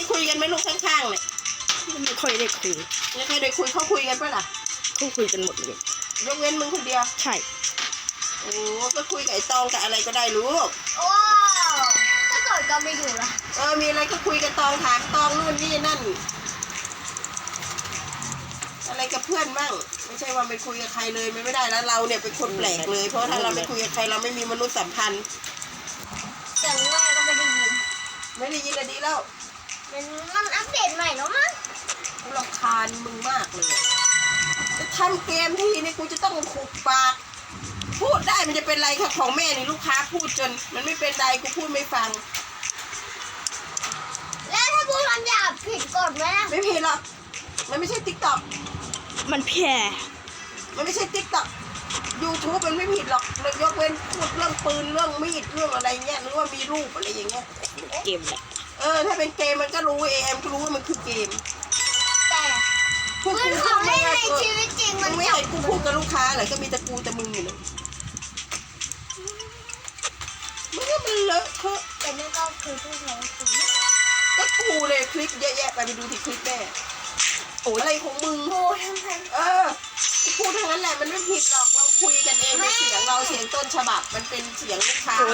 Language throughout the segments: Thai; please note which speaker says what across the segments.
Speaker 1: ได้คุยกันไหมลูกข้างๆเนี่ย
Speaker 2: ไม่ค่อยได้คุย
Speaker 1: ไม่ค่อยได้คุยเขาคุยกันปะล่ะ
Speaker 2: เขาคุยกันหมดเลย
Speaker 1: ยกเว้นมึงคนเดียว
Speaker 2: ใช่
Speaker 1: โอ้ก็คุยกับไอ้ตองกับอะไรก็ได้ลูก
Speaker 3: ว้าวถ้าเกิดก็ไม่อยู่ละ
Speaker 1: มีอะไรก็คุยกับตองถามตองนู่นนี่นั่นอะไรกับเพื่อนบ้างไม่ใช่ว่าไปคุยกับใครเลยไม่ได้แล้วเราเนี่ยเป็นคนแปลกเลยเพราะถ้าเราไม่คุยกับใครเราไม่มีมนุษยสัมพันธ์
Speaker 3: เสียงแม่ก็ไม่ได้ยิน
Speaker 1: อะดีแล้ว
Speaker 3: มันอัปเดตใหม่แล้วมั้ง
Speaker 1: กูรำคาญมึงมากเลยจะทำเกมทีนี่กูจะต้องขุกปากพูดได้มันจะเป็นไรค่ะของแม่นี่ลูกค้าพูดจนมันไม่เป็นไรกูพูดไม่ฟัง
Speaker 3: แล้วถ้าพูดคำหยาบผิดกฎไหม
Speaker 1: ไม่ผิดหรอกมันไม่ใช่ติ๊กต็อก
Speaker 2: มันแพ้
Speaker 1: มันไม่ใช่ติ๊กต็อกYouTube มันไม่ผิดหรอกเลยยกเว้นพูดเรื่องปืนเรื่องมีดเรื่องอะไรเงี้ยหรือว่ามีรูปอะไรอย่างเงี้ย
Speaker 2: เกมแหละ
Speaker 1: ถ้าเป็นเกมมันก็รู้เอ็มก็รู้ว่ามันคือเกม
Speaker 3: แต่เพื่อนของเล่นในชีวิตจริงมัน
Speaker 1: ไม่ให้กูพูดกับลูกค้าเหรอก็มีแต่กูแต่มึงอยู่เลยมันเลอะเทอะ
Speaker 3: แต่นั่นก็คือพูดแล้วสิ
Speaker 1: ก็กูเลยคลิปเยอะแยะไปดูที่คลิปแม่อะไรของมึง
Speaker 3: พูดทั้งนั้น
Speaker 1: พูดทั้งนั้นแหละมันไม่ผิดหรอกเราคุยกันเองในเสียงเราเสียงต้นฉบับมันเป็นเสียงลูกค้า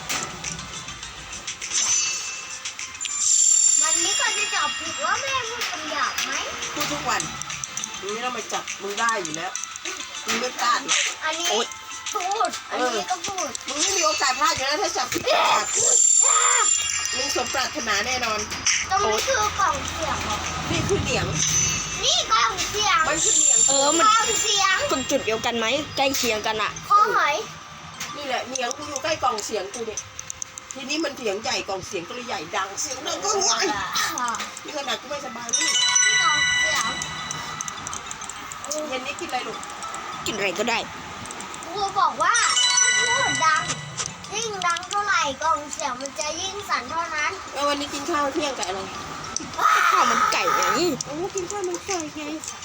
Speaker 3: วันนี้ก็จะจับผิดว่าแม่พูดคำหยาบไหม
Speaker 1: พูดทุกวันมึงไม่ต้องมาจับมึงได้อยู่แล้วมึงไม่พลาดหรอก
Speaker 3: อันนี้พูดอันนี้ก็พูด
Speaker 1: มึงไม่มีโอกาสพลาดอยู่แล้วถ้าจับผิดมึงสมปรารถนาแน่นอน
Speaker 3: ตรงนี้คือกล่องเสียง
Speaker 1: นี่คือเหนียง
Speaker 3: นี่กล่องเสียง
Speaker 1: มันคือเหนียง
Speaker 2: มัน
Speaker 3: กล่องเสียง
Speaker 2: คนจุดเดียวกันไหมใกล้เคียงกันอะ
Speaker 3: ข้อหอย
Speaker 1: นี่แหละเหนียงกูอยู่ใกล้กล่องเสียงกูเนี่ยทีนี้มันเสียงใหญ่กล่องเสียงก็เลยใหญ่ดังเสียงดังก็ใหญ่นี่ขนาดกูไม่สบายนี่
Speaker 3: กล่องเสียง
Speaker 1: เย็นนี้กินอะไรลูก
Speaker 2: กินอะไรก็ได้
Speaker 3: ครูบอกว่าถ้าพูดดังยิ่งดังเท่าไหร่กล่องเสียงมันจะยิ่งสั่นเท่านั้น
Speaker 1: แล้ววันนี้กินข้าวเที่ยงกับอะไร
Speaker 2: ข้าวมันไก่ไง
Speaker 1: กินข้าวมันไก่ไง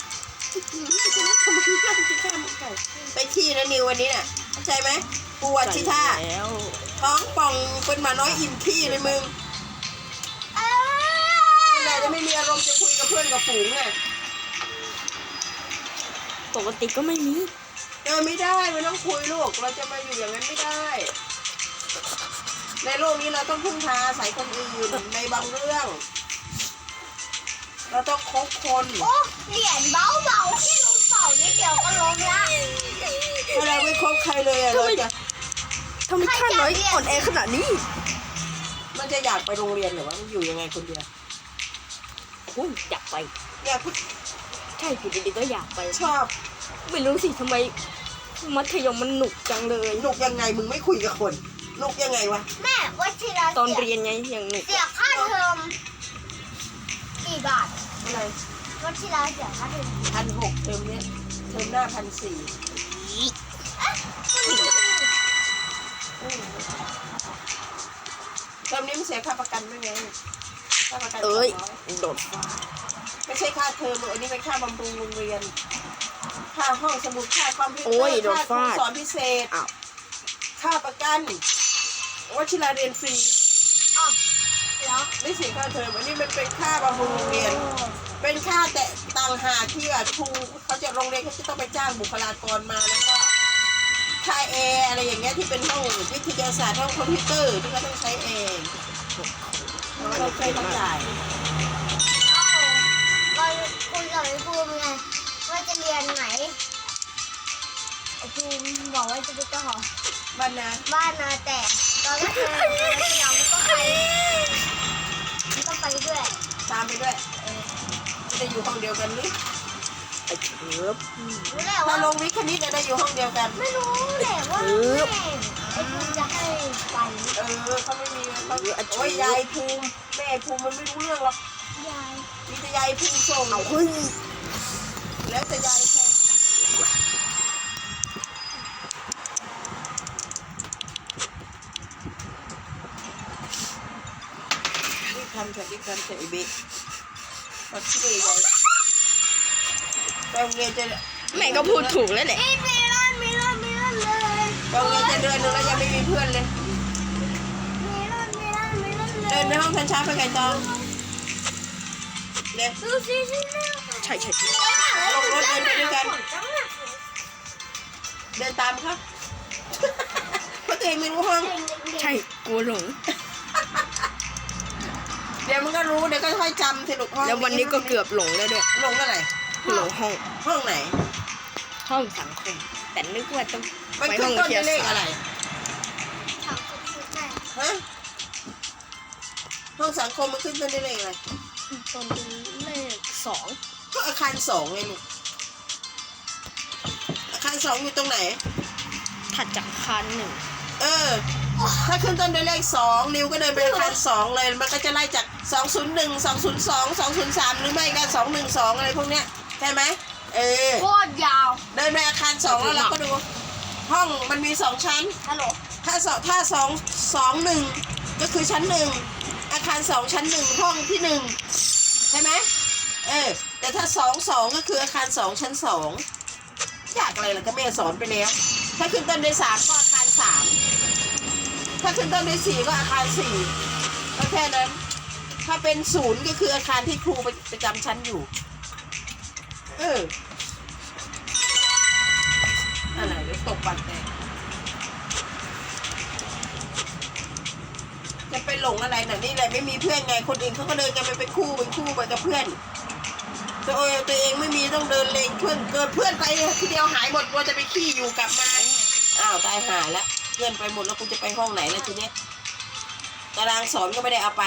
Speaker 1: ไปขี้นะนิววันนี้น่ะเข้าใจไหมปวดชิท่าท้องป่องเป็นหมาน้อยอิ่มขี้เลยมึงอะไรจะไม่มีอารมณ์จะคุยกับเพื่อนกับฝูงไง
Speaker 2: ปกติก็ไม่มี
Speaker 1: ไม่ได้ไม่ต้องคุยลูกเราจะมาอยู่อย่างนั้นไม่ได้ในโลกนี้เราต้องพึ่งพาอาศัยคนอื่นในบางเรื่องเราต้องคบคน
Speaker 3: เหรียญเบาๆที่รู้เป่านิดเดียวก็ล้มละ
Speaker 1: ถ้าเราไม่คบใครเลยเราจะ
Speaker 2: ทำไมข้าน้อยอ่อนแอขนาดนี้
Speaker 1: มันจะอยากไปโรงเรียนหรือว่ามันอยู่ยังไงคนเดียว
Speaker 2: อยากไปใช่อยู่ดีๆก็อยากไป
Speaker 1: ชอบ
Speaker 2: ไม่รู้สิทำไมมัธยมมันหนุกจังเลย
Speaker 1: หนุกยังไงมึงไม่คุยกับคนหนุกยังไงวะ
Speaker 3: แม่วัชิระ
Speaker 2: ตอนเรียนไงยังหนุก
Speaker 3: เสียค่าเทอมกี่บาท
Speaker 1: อะไร
Speaker 3: วัชิระเสียค่าเทอม
Speaker 1: 1,600เทอมนี้เทอมหน้า1,400เทอมนี้มันเสียค่าประกันด้วยไงค่าประกัน
Speaker 2: โดด
Speaker 1: ไม่ใช่ค่าเทอมอันนี้เป็นค่าบำรุงโรงเรียนค่าห้องสมุดค่าคอมพิวเตอร์ค่าครูสอนพิเศษค่าประกันวชิราเรียนฟรี
Speaker 3: แล้ว
Speaker 1: ไม่เสียค่าเทอมอันนี้มันเป็นค่าบำรุงโรงเรียนเป็นค่าแต่ต่างหากที่ครูเขาจะโรงเรียนเขาจะต้องไปจ้างบุคลากรมาแล้วก็ค่าแอร์อะไรอย่างเงี้ยที่เป็นห้องวิทยาศาสตร์ห้องคอมพิวเตอร์ที่เขาต้องใช้เองเราใช้ต้องจ่าย
Speaker 3: ก็คุยกับไอ้ภูมิไงว่าจะเรียนไหนไอ้ภูมิบอกว่าจะไปต่อ
Speaker 1: บ้าน
Speaker 3: นาแต่ตอนแรกเราก็ไปด้วย
Speaker 1: ตามไปด้วยจะอยู่ห้องเดียวกันหรือ
Speaker 2: ไอ้เถิบ
Speaker 1: ถ้าลงวิทย์คณิตจะอยู่ห้องเดียวกัน
Speaker 3: ไม่รู้แหละว่าไอ้ภูมิจะให้ไป
Speaker 1: เขาไม่มีเขาโอ้ยยายภูมิแม่ภูมิมันไม่รู้เรื่องหรอกมีแต่ยายภูมิส่ง
Speaker 2: เอาขึ้น
Speaker 1: แล้วแต่ยายภูมิที่คันเฉยเบ๊กมาช่วยยายโรงเรียนจะ
Speaker 2: แม่ก็พูดถูกแล้วแหละ
Speaker 3: มีเลื่อนเลย
Speaker 1: โรงเรียนจะเดินดูแล้วยังไม่มีเพื่อนเลย
Speaker 3: มีเลื่อน
Speaker 1: เดินในห้องช้าๆไปไก่ตอง
Speaker 3: ดูสิสิ
Speaker 2: ใช่ใช่ใช่
Speaker 1: ลงรถเดินไปด้วยกัน เดินตามเขา เพราะตัวเองไม่รู้ห้อง
Speaker 2: ใช่กลัวหลง
Speaker 1: เดี๋ยวมันก็รู้เดี๋ยวก็ค่อยจำสิลูกห้อง
Speaker 2: แล้ววันนี้ก็เกือบหลงแล้วด้วย
Speaker 1: ลงอะไร
Speaker 2: หลงห้อง
Speaker 1: ห้องไหน
Speaker 2: ห้องสังคม แต่นึกว่าต้อง
Speaker 1: มัน
Speaker 2: ไป
Speaker 1: ขึ้
Speaker 2: ห้
Speaker 1: น
Speaker 2: อง
Speaker 1: ต้น
Speaker 2: เทีย
Speaker 1: ด้วยเลข
Speaker 2: สา
Speaker 1: อะไร
Speaker 3: ถามคุณครูได้
Speaker 1: ฮะ ห้องสังคมมันขึ้นต้นด้วยเลขอะไร
Speaker 2: ตอนเลขสอง
Speaker 1: ก็อาคารสองไงลูก อาคารสองอยู่ตรงไหน
Speaker 2: ถัดจากคานหนึ่ง
Speaker 1: เออ ถ้าขึ้นต้นด้วยเลขสองนิวก็เดินไปอาคารสองเลย มันก็จะไล่จาก201 202 203หรือไม่ก็212อะไรพวกเนี้ยใช่ไหมเออ
Speaker 3: โคตรยาว
Speaker 1: เดินไปอาคารสองแล้วเราก็ดู ห้องมันมี2ชั้น
Speaker 3: ฮัลโหล
Speaker 1: ถ้า221ก็คือชั้น1อาคาร2ชั้น1ห้องที่1ใช่ไหมเออแต่ถ้า22ก็คืออาคาร2ชั้น2อยากอะไรล่ะก็แม่สอนไปแล้วถ้าขึ้นต้นด้วย3ก็อาคาร3ถ้าขึ้นต้นด้วย4ก็อาคาร4ก็แค่นั้นถ้าเป็น0ก็คืออาคารที่ครูประจำชั้นอยู่เอออะไรเดี๋ยวตกปัดแน่จะไปหลงอะไรน่ะนี่แหละไม่มีเพื่อนไงคนอื่นเขาก็เดินกันไปเป็นคู่ไปกับเพื่อนตัวเองไม่มีต้องเดินเลงเพื่อนเกิดเพื่อนไปทีเดียวหายหมดว่าจะไปขี้อยู่กลับมาอ้าวตายหาแล้วเพื่อนไปหมดแล้วกูจะไปห้องไหนแล้วทีเนี้ยตารางสอนก็ไม่ได้เอาไป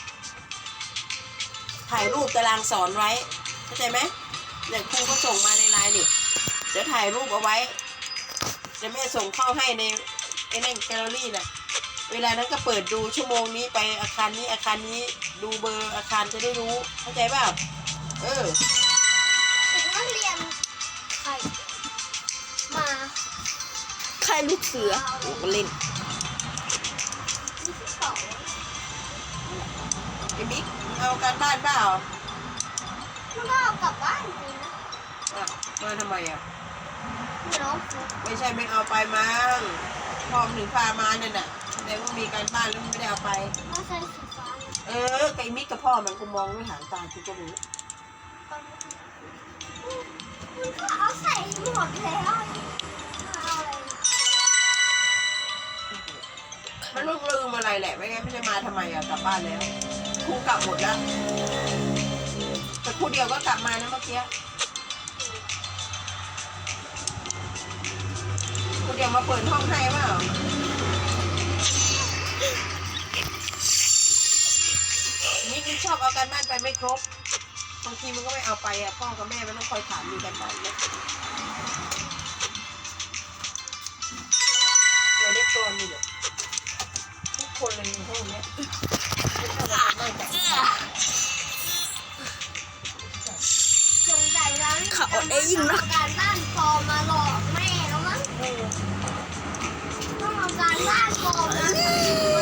Speaker 1: ถ่ายรูปตารางสอนไว้เข้าใจไหมเนี่ยครูก็ส่งมาในไลน์นี่เดี๋ยวถ่ายรูปเอาไว้จะแม่ส่งเข้าให้ในไอ้นั่นแกลเลอรี่น่ะเวลานั้นก็เปิดดูชั่วโมงนี้ไปอาคารนี้อาคารนี้ดูเบอร์อาคารจะได้รู้เข้าใจเปล่าเออ
Speaker 3: ถึงนักเรียนใครมา
Speaker 2: ใครลูกเสือลูกเล่น
Speaker 3: ที่สอง
Speaker 1: ไอ้บิ๊กเอาการบ้านเปล่า
Speaker 3: มันก็เอากลับบ้านจริงนะ
Speaker 1: อ่ะมาทำไมอ่ะ
Speaker 3: เนาะ
Speaker 1: ไม่ใช่ไม่เอาไปมั้งพอมถึงพามาเนี่ยน่ะแสดงว่ามีการบ้านแล้วมันไม่ได้เอาไป
Speaker 3: ไม่ใช่สีฟ้า
Speaker 1: เออไก่มิกกับพ่อมันกูมองด้วยหางตากูก็รู้
Speaker 3: มันก็เอาใส่หมดแล้วเอาอะไร
Speaker 1: มันต้องลืมอะไรแหละไม่งั้นไม่ได้มาทำไมอ่ะกลับบ้านแล้วครูกลับหมดแล้วแต่ครูเดียวก็กลับมานะเมื่อกี้ครูเดียวมาเปิดห้องให้เปล่ามิกมันชอบเอาการบ้านไปไม่ครบบางทีมันก็ไม่เอาไปอ่ะพ่อกับแม่มันต้องคอยถามมีกันบ้านไหมเราได้ตัวนี่เหรอทุกคนเลยในห้องเนี้ยไม่ชอบเอาการบ้านจาก
Speaker 3: สงสัยแล้ว
Speaker 2: เขาอดได้ยิ่งนะ
Speaker 3: การบ้านปลอมมาหลอกแม่แล้วมั้งต้องเอาการบ้านปลอมนะ